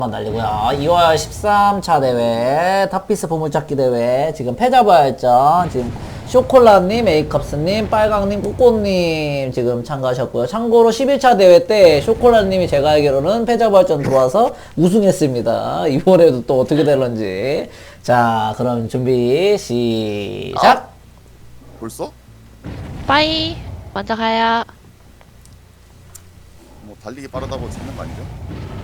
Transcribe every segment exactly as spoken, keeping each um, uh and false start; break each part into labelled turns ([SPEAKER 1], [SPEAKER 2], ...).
[SPEAKER 1] 날리고요. 이월 십삼 차 대회 탑피스 보물찾기 대회 지금 패자부활전 지금 쇼콜라님, 에이컵스님, 빨강님, 꾸꼬님 지금 참가하셨고요. 참고로 십일 차 대회 때 쇼콜라님이 제가 알기로는 패자부활전 들어와서 우승했습니다. 이번에도 또 어떻게 될런지. 자, 그럼 준비 시작.
[SPEAKER 2] 아, 벌써?
[SPEAKER 3] 빠이 먼저 가요.
[SPEAKER 2] 뭐 달리기 빠르다고 찾는 거 아니죠?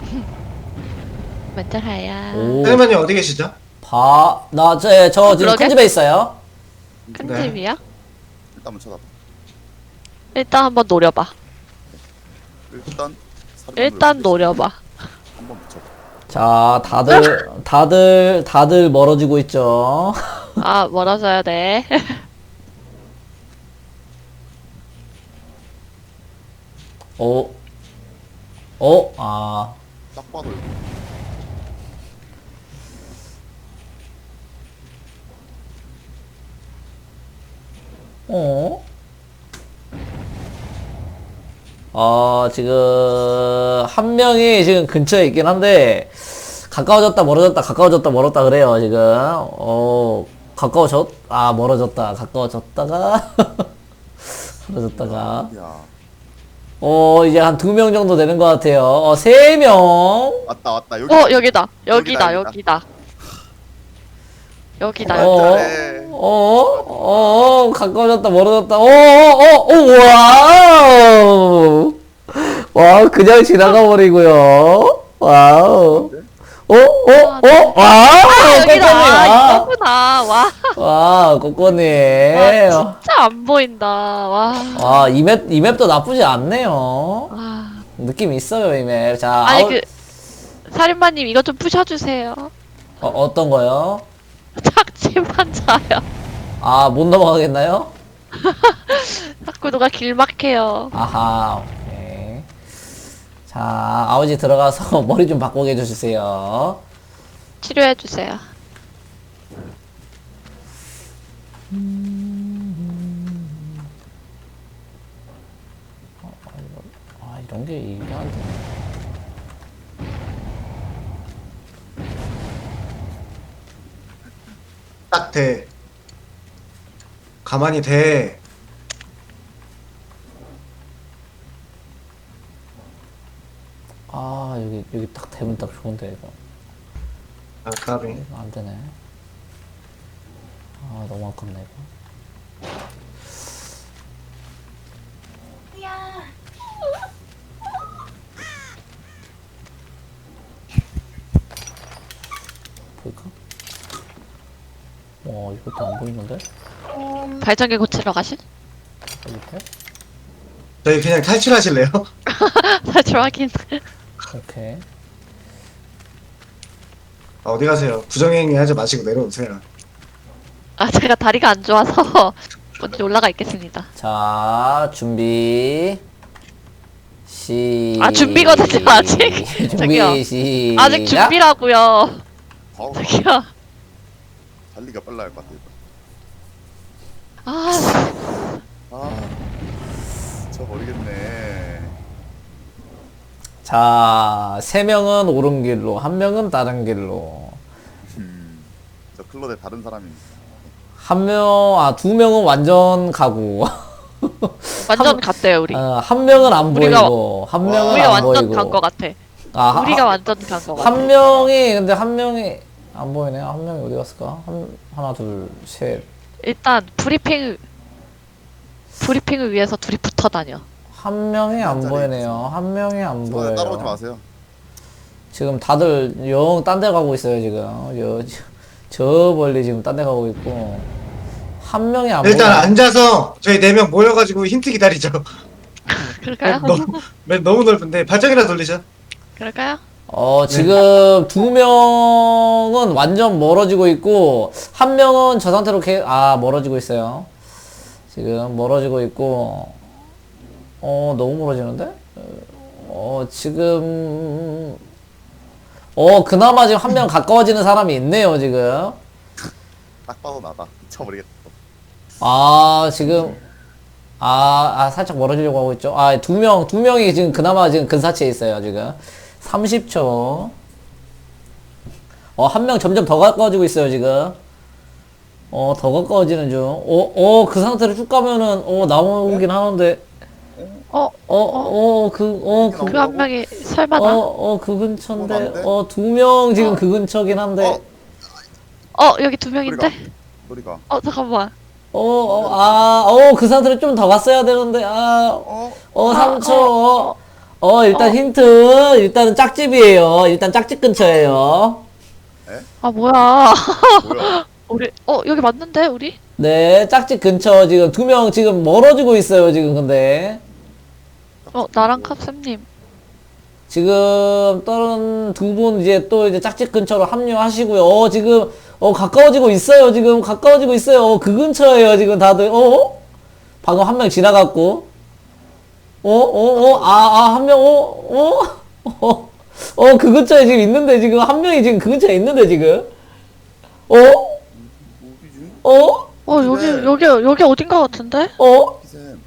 [SPEAKER 3] 먼저 가요.
[SPEAKER 1] 오,
[SPEAKER 4] 사장님 어디 계시죠?
[SPEAKER 1] 봐, 나, 저, 저 지금
[SPEAKER 3] 그러게?
[SPEAKER 1] 큰 집에 있어요.
[SPEAKER 3] 큰
[SPEAKER 4] 네.
[SPEAKER 3] 집이야?
[SPEAKER 2] 일단 한번 쳐다봐.
[SPEAKER 3] 일단 한번 노려봐.
[SPEAKER 2] 일단 사료를
[SPEAKER 3] 일단
[SPEAKER 2] 넣고
[SPEAKER 3] 노려봐.
[SPEAKER 2] 한번 붙여봐.
[SPEAKER 1] 자, 다들, 다들, 다들 멀어지고 있죠.
[SPEAKER 3] 아 멀어져야 돼.
[SPEAKER 1] 어, 어, 아.
[SPEAKER 2] 딱 봐도 이거.
[SPEAKER 1] 어? 어, 지금, 한 명이 지금 근처에 있긴 한데, 가까워졌다, 멀어졌다, 가까워졌다, 멀었다 그래요, 지금. 어, 가까워졌, 아, 멀어졌다, 가까워졌다가, 멀어졌다가.
[SPEAKER 2] 야,
[SPEAKER 1] 어, 이제 한 두 명 정도 되는 것 같아요. 어, 세 명.
[SPEAKER 2] 왔다 왔다 여기.
[SPEAKER 3] 어 여기다 여기다
[SPEAKER 2] 여기다,
[SPEAKER 3] 여기다 여기다
[SPEAKER 1] 어,
[SPEAKER 3] 여기다.
[SPEAKER 2] 잘해.
[SPEAKER 1] 어, 어, 가까워졌다, 멀어졌다, 어, 어, 어, 어, 와우. 와, 그냥 지나가 버리고요. 와우. 어, 어, 어, 와우.
[SPEAKER 3] 아
[SPEAKER 1] 꼬꼬님,
[SPEAKER 3] 여기다. 아
[SPEAKER 1] 와.
[SPEAKER 3] 이거구나. 와,
[SPEAKER 1] 와, 꼬꼬님.
[SPEAKER 3] 와 진짜 안 보인다. 와.
[SPEAKER 1] 와, 이 맵, 이 맵도 나쁘지 않네요.
[SPEAKER 3] 와.
[SPEAKER 1] 느낌 있어요, 이 맵. 자,
[SPEAKER 3] 아니
[SPEAKER 1] 아웃-
[SPEAKER 3] 그 살인마님 이거 좀 부셔주세요.
[SPEAKER 1] 어, 어떤 거요?
[SPEAKER 3] 착지만 자요.
[SPEAKER 1] 아, 못 넘어가겠나요?
[SPEAKER 3] 자꾸 누가 길 막해요.
[SPEAKER 1] 아하, 오케이. 자, 아버지 들어가서 머리 좀 바꾸게 해주세요.
[SPEAKER 3] 치료해주세요.
[SPEAKER 1] 아, 이런 게 이게 안 되네.
[SPEAKER 4] 딱 돼. 가만히 돼.
[SPEAKER 1] 아, 여기, 여기 딱 되면 딱 좋은데, 이거.
[SPEAKER 4] 아, 까비.
[SPEAKER 1] 이거 안 되네. 아, 너무 아깝네, 이거. 보일까? 와, 이것도 안 보이는데?
[SPEAKER 3] 발전기 고치러 가실?
[SPEAKER 1] 밑에?
[SPEAKER 4] 저희 그냥 탈출하실래요?
[SPEAKER 3] 탈출 확인.
[SPEAKER 1] 오케이.
[SPEAKER 4] 아, 어디 가세요? 부정행위 하지 마시고 내려오세요.
[SPEAKER 3] 아 제가 다리가 안 좋아서 먼저 올라가 있겠습니다.
[SPEAKER 1] 자, 준비. 시.
[SPEAKER 3] 아, 준비거든요, 아직. 저기요.
[SPEAKER 1] 준비, 시작.
[SPEAKER 3] 아직 준비라고요.
[SPEAKER 2] 바로
[SPEAKER 3] 저기요.
[SPEAKER 2] 달리기가 빨라야 할 것 같아. 이거.
[SPEAKER 3] 아,
[SPEAKER 2] 아, 저 모르겠네.
[SPEAKER 1] 자, 세 명은 오른 길로, 한 명은 다른 길로.
[SPEAKER 2] 음, 저 클로데 다른 사람입니다.
[SPEAKER 1] 한 명, 아, 두 명은 완전 가고.
[SPEAKER 3] 완전
[SPEAKER 1] 한-
[SPEAKER 3] 갔대요 우리.
[SPEAKER 1] 어, 한 명은 안
[SPEAKER 3] 우리가-
[SPEAKER 1] 보이고, 한 명은
[SPEAKER 3] 우리가
[SPEAKER 1] 안
[SPEAKER 3] 완전
[SPEAKER 1] 보이고.
[SPEAKER 3] 간 거 같아.
[SPEAKER 1] 아, 하-
[SPEAKER 3] 우리가 완전 간 거 같아.
[SPEAKER 1] 한 명이, 근데 한 명이, 안 보이네. 한 명이 어디 갔을까? 한, 하나, 둘, 셋.
[SPEAKER 3] 일단 브리핑 브리핑을 위해서 둘이 붙어 다녀.
[SPEAKER 1] 한 명이 안
[SPEAKER 2] 자리에
[SPEAKER 1] 보이네요. 한 명이 안
[SPEAKER 2] 저
[SPEAKER 1] 보여요.
[SPEAKER 2] 따라오지 마세요.
[SPEAKER 1] 지금 다들 영 딴 데 가고 있어요, 지금. 여, 저, 저 멀리 지금 딴 데 가고 있고. 한 명이 안
[SPEAKER 4] 일단
[SPEAKER 1] 보여.
[SPEAKER 4] 앉아서 저희 네 명 모여가지고 힌트 기다리죠.
[SPEAKER 3] 그럴까요?
[SPEAKER 4] 너무, 맨 너무 넓은데 발전이나 돌리죠.
[SPEAKER 3] 그럴까요?
[SPEAKER 1] 어, 지금 두 명은 완전 멀어지고 있고, 한 명은 저 상태로 개, 아, 멀어지고 있어요. 지금 멀어지고 있고, 어, 너무 멀어지는데? 어, 지금, 어, 그나마 지금 한 명 가까워지는 사람이 있네요, 지금.
[SPEAKER 2] 딱 봐도 나다. 미쳐버리겠다.
[SPEAKER 1] 아, 지금, 아, 아, 살짝 멀어지려고 하고 있죠. 아, 두 명, 두 명이 지금 그나마 지금 근사치에 있어요, 지금. 삼십 초. 어, 한 명 점점 더 가까워지고 있어요, 지금. 어, 더 가까워지는 중. 어, 어, 그 상태로 쭉 가면은, 어, 나오긴 하는데.
[SPEAKER 3] 어,
[SPEAKER 1] 어, 어, 그, 어, 그,
[SPEAKER 3] 그 한 명이 설마
[SPEAKER 1] 어,
[SPEAKER 3] 나?
[SPEAKER 1] 어, 그 근처인데.
[SPEAKER 2] 어, 나인데?
[SPEAKER 1] 어, 두 명 지금
[SPEAKER 3] 어.
[SPEAKER 1] 그 근처긴 한데.
[SPEAKER 3] 어, 여기 두 명인데?
[SPEAKER 2] 소리가.
[SPEAKER 3] 어, 잠깐만.
[SPEAKER 1] 어, 어, 아, 어, 그 상태로 좀 더 갔어야 되는데, 아,
[SPEAKER 2] 어?
[SPEAKER 1] 어,
[SPEAKER 3] 아,
[SPEAKER 1] 삼 초.
[SPEAKER 3] 어,
[SPEAKER 1] 어, 일단
[SPEAKER 3] 어.
[SPEAKER 1] 힌트. 일단은 짝집이에요. 일단 짝집 근처에요.
[SPEAKER 3] 아, 뭐야.
[SPEAKER 2] 뭐야?
[SPEAKER 3] 우리, 어, 여기 맞는데, 우리?
[SPEAKER 1] 네, 짝집 근처 지금 두 명 지금 멀어지고 있어요, 지금 근데.
[SPEAKER 3] 어, 나랑 캅쌤님.
[SPEAKER 1] 지금 다른 두 분 이제 또 이제 짝집 근처로 합류하시고요. 어, 지금 어 가까워지고 있어요. 지금 가까워지고 있어요. 어, 그 근처에요. 지금 다들. 어? 방금 한 명 지나갔고. 어? 어? 어? 아, 아, 한 명. 어? 어? 어? 어, 그 근처에 지금 있는데 지금 한 명이 지금 그 근처에 있는데 지금. 어?
[SPEAKER 2] 어디지?
[SPEAKER 1] 어?
[SPEAKER 3] 어, 여기,
[SPEAKER 2] 그래.
[SPEAKER 3] 여기, 여기 어딘가 같은데?
[SPEAKER 1] 어?
[SPEAKER 2] 기쌤.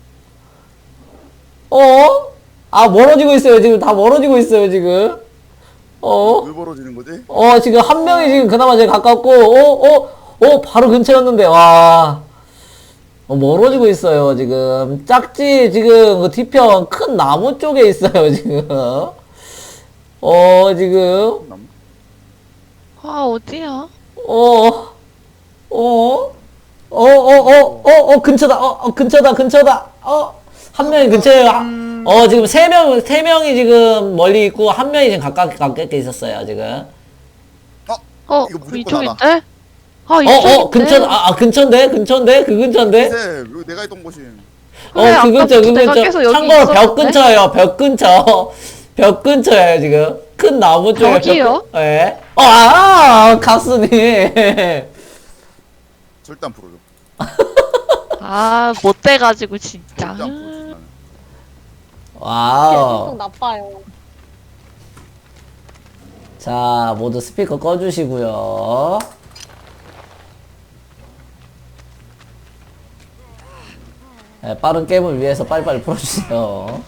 [SPEAKER 1] 어? 아, 멀어지고 있어요. 지금 다 멀어지고 있어요, 지금. 어?
[SPEAKER 2] 왜 벌어지는 거지?
[SPEAKER 1] 어, 지금 한 명이 지금 그나마 제일 가깝고, 어, 어, 어, 바로 근처였는데, 와. 어, 멀어지고 있어요, 지금. 짝지, 지금, 그 뒤편 큰 나무 쪽에 있어요, 지금. 어, 지금.
[SPEAKER 2] 남.
[SPEAKER 3] 아, 어디야?
[SPEAKER 1] 어, 어, 어, 어, 어, 어, 어, 근처다, 어, 어, 근처다, 근처다, 어. 한 명이 근처에요. 아, 어, 지금 세 명, 세 명이 지금 멀리 있고, 한 명이 지금 가깝게, 가깝게 있었어요, 지금.
[SPEAKER 3] 어,
[SPEAKER 2] 이거 무조건
[SPEAKER 3] 이쪽인데?
[SPEAKER 2] 알아.
[SPEAKER 3] 아,
[SPEAKER 1] 어,
[SPEAKER 3] 이쪽인데?
[SPEAKER 1] 어, 근처, 아, 아, 근처인데? 근처인데? 그 근처인데?
[SPEAKER 2] 기쌤, 여기 내가 있던 곳이.
[SPEAKER 1] 어,
[SPEAKER 3] 그래,
[SPEAKER 1] 그 근처, 그
[SPEAKER 3] 아까부터 내가
[SPEAKER 1] 근처.
[SPEAKER 3] 계속 여기
[SPEAKER 1] 참고로 벽
[SPEAKER 3] 있었는데?
[SPEAKER 1] 근처예요, 벽 근처. 벽 근처예요, 지금. 큰 나무 쪽에.
[SPEAKER 3] 벽이요?
[SPEAKER 1] 벽, 예. 어, 아, 가스님.
[SPEAKER 2] 절대 안 풀어줘.
[SPEAKER 3] 아, 못 돼가지고, 진짜.
[SPEAKER 2] 절대 안 풀어줘. 나는.
[SPEAKER 1] 와우.
[SPEAKER 5] 계속 나빠요.
[SPEAKER 1] 자, 모두 스피커 꺼주시고요. 네, 빠른 게임을 위해서 빨리빨리 풀어주세요.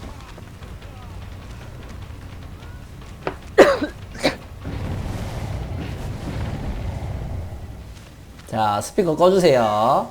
[SPEAKER 1] 자, 스피커 꺼주세요.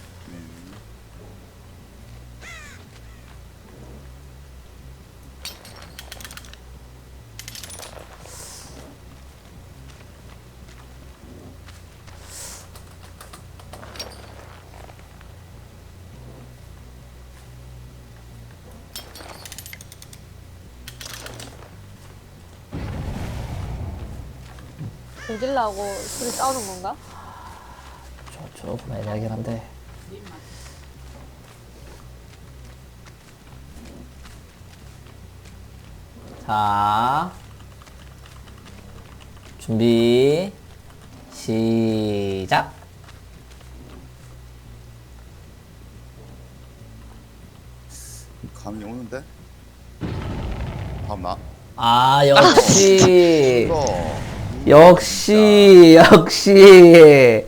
[SPEAKER 5] 조질라고 둘이 싸우는 건가?
[SPEAKER 1] 조, 조금 애매하긴 한데. 자, 준비, 시작.
[SPEAKER 2] 감이 오는데? 다음 나.
[SPEAKER 1] 아, 역시,
[SPEAKER 2] 이거.
[SPEAKER 1] 역시, 역시.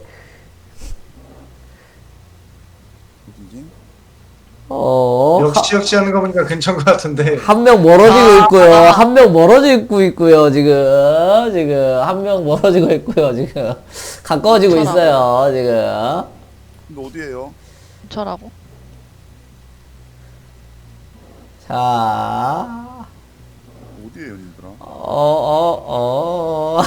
[SPEAKER 2] 어디지?
[SPEAKER 1] 어,
[SPEAKER 4] 역시 역시 하는 거 보니까 근처인 것 같은데.
[SPEAKER 1] 한 명 멀어지고 있고요. 한 명 멀어지고 있고요. 지금 지금 한 명 멀어지고 있고요. 지금 가까워지고
[SPEAKER 3] 저라고.
[SPEAKER 1] 있어요. 지금.
[SPEAKER 2] 근데 어디에요?
[SPEAKER 3] 저라고.
[SPEAKER 1] 자,
[SPEAKER 2] 어디에요, 님들아?
[SPEAKER 1] 어, 어, 어.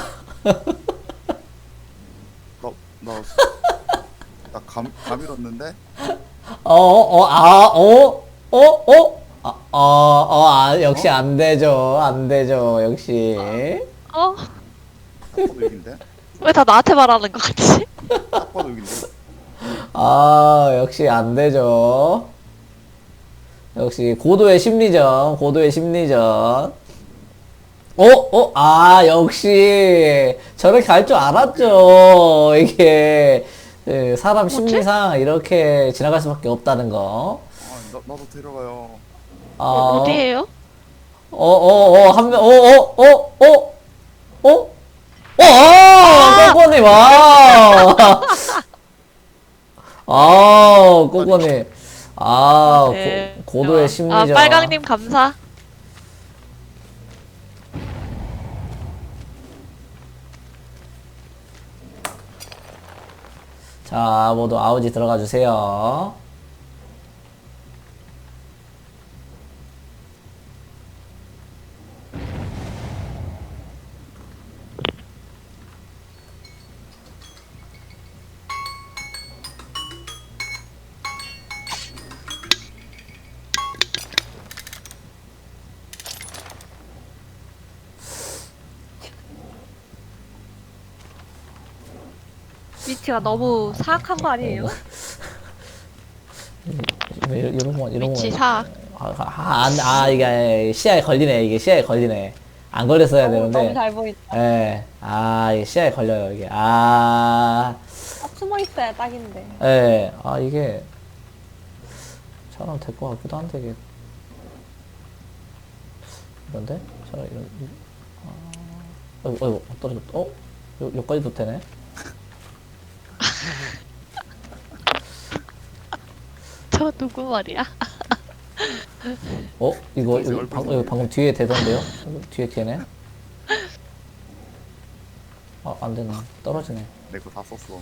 [SPEAKER 2] 나, 나, 나 감, 감 잃었는데?
[SPEAKER 1] 어, 어, 아, 어, 어, 어, 아, 어, 어, 아, 역시 안 되죠. 안 되죠. 역시.
[SPEAKER 3] 어?
[SPEAKER 2] 딱 봐도 여긴데?
[SPEAKER 3] 왜 다 나한테 말하는 것 같지?
[SPEAKER 2] 딱 봐도 여긴데?
[SPEAKER 1] 아, 역시 안 되죠. 역시 고도의 심리전, 고도의 심리전. 어, 어, 아, 역시 저렇게 갈 줄 알았죠. 이게 그 사람 심리상 이렇게 지나갈 수밖에 없다는 거.
[SPEAKER 2] 아, 나, 나도 데려가요.
[SPEAKER 1] 아,
[SPEAKER 3] 어디에요?
[SPEAKER 1] 어, 어, 어, 한 명, 어, 어, 어, 어, 어, 어, 아, 꼬꼬님, 아, 아, 꼬꼬님, 아,
[SPEAKER 3] 네.
[SPEAKER 1] 고, 고도의
[SPEAKER 3] 아,
[SPEAKER 1] 심리전.
[SPEAKER 3] 빨강님 감사.
[SPEAKER 1] 자, 모두 아우지 들어가 주세요.
[SPEAKER 5] 위치가 너무 사악한 거 아니에요?
[SPEAKER 1] 왜 이런 이런 거 이런
[SPEAKER 3] 위치
[SPEAKER 1] 거.
[SPEAKER 3] 사.
[SPEAKER 1] 아, 아, 안- 아, 이게 시야에 걸리네. 이게 시야에 걸리네. 안 걸렸어야
[SPEAKER 5] 너무,
[SPEAKER 1] 되는데.
[SPEAKER 5] 너무 잘 보인다.
[SPEAKER 1] 예. 아, 이게 시야에 걸려요, 이게. 아,
[SPEAKER 5] 아, 숨어 있어야 딱인데.
[SPEAKER 1] 예. 아, 이게. 잘하면 될 것 같기도 한데, 이게. 이런데? 자, 이런. 아, 어이구, 어이구, 떨어졌다. 어? 요, 여기까지도 되네?
[SPEAKER 3] 저 누구 말이야?
[SPEAKER 1] 어? 이거,
[SPEAKER 2] 이제
[SPEAKER 1] 이거,
[SPEAKER 2] 얼굴
[SPEAKER 1] 방,
[SPEAKER 2] 보이네.
[SPEAKER 1] 이거 방금 뒤에 되던데요? 이거 뒤에 되네? 아, 안 되네. 떨어지네.
[SPEAKER 2] 내 거 다 썼어.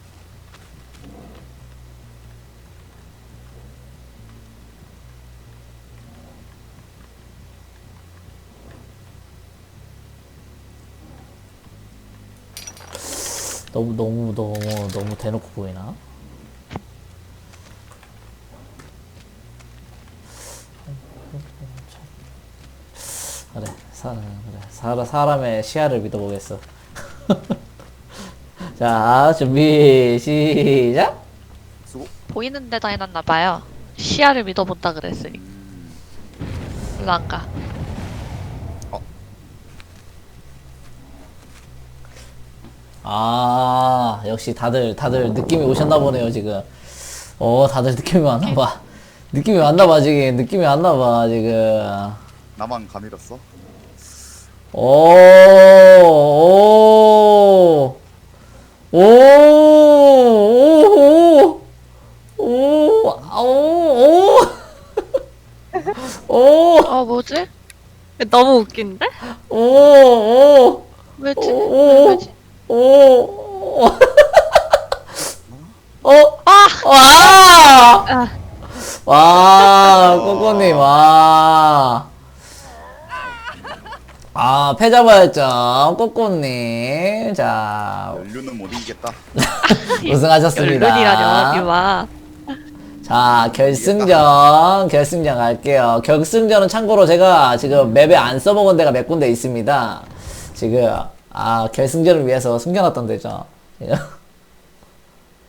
[SPEAKER 1] 너무, 너무, 너무, 너무 대놓고 보이나? 그래, 사, 그래. 사람, 사람의 시야를 믿어보겠어. 자, 준비, 시작!
[SPEAKER 2] 수고.
[SPEAKER 3] 보이는 데다 해놨나봐요. 시야를 믿어본다 그랬으니.
[SPEAKER 2] 음,
[SPEAKER 3] 일로 안 가.
[SPEAKER 1] 아, 역시 다들, 다들 느낌이 오셨나 보네요, 지금. 어, 다들 느낌이 왔나봐. 느낌이 왔나봐, 지금. 느낌이 왔나봐, 지금.
[SPEAKER 2] 나만 가밀었어?
[SPEAKER 1] 오, 오, 오, 오, 오, 오, 오, 오,
[SPEAKER 3] 어, 뭐지?
[SPEAKER 5] 너무 웃긴데?
[SPEAKER 1] 오, 오,
[SPEAKER 3] 왜지?
[SPEAKER 1] 오,
[SPEAKER 3] 왜지?
[SPEAKER 1] 오, 오. 어? 아! 와!
[SPEAKER 3] 아,
[SPEAKER 1] 와, 꼬꼬님, 와. 아, 패자부활전, 꼬꼬님. 자,
[SPEAKER 2] 연륜은 못 이기겠다.
[SPEAKER 1] 우승하셨습니다.
[SPEAKER 3] 연륜이라뇨, 이마.
[SPEAKER 1] 자, 결승전, 결승전 갈게요. 결승전은 참고로 제가 지금 맵에 안 써먹은 데가 몇 군데 있습니다. 지금, 아, 결승전을 위해서 숨겨놨던 데죠.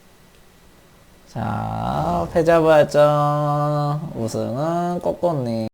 [SPEAKER 1] 자, 패자부활전 우승은 꼬꼬님.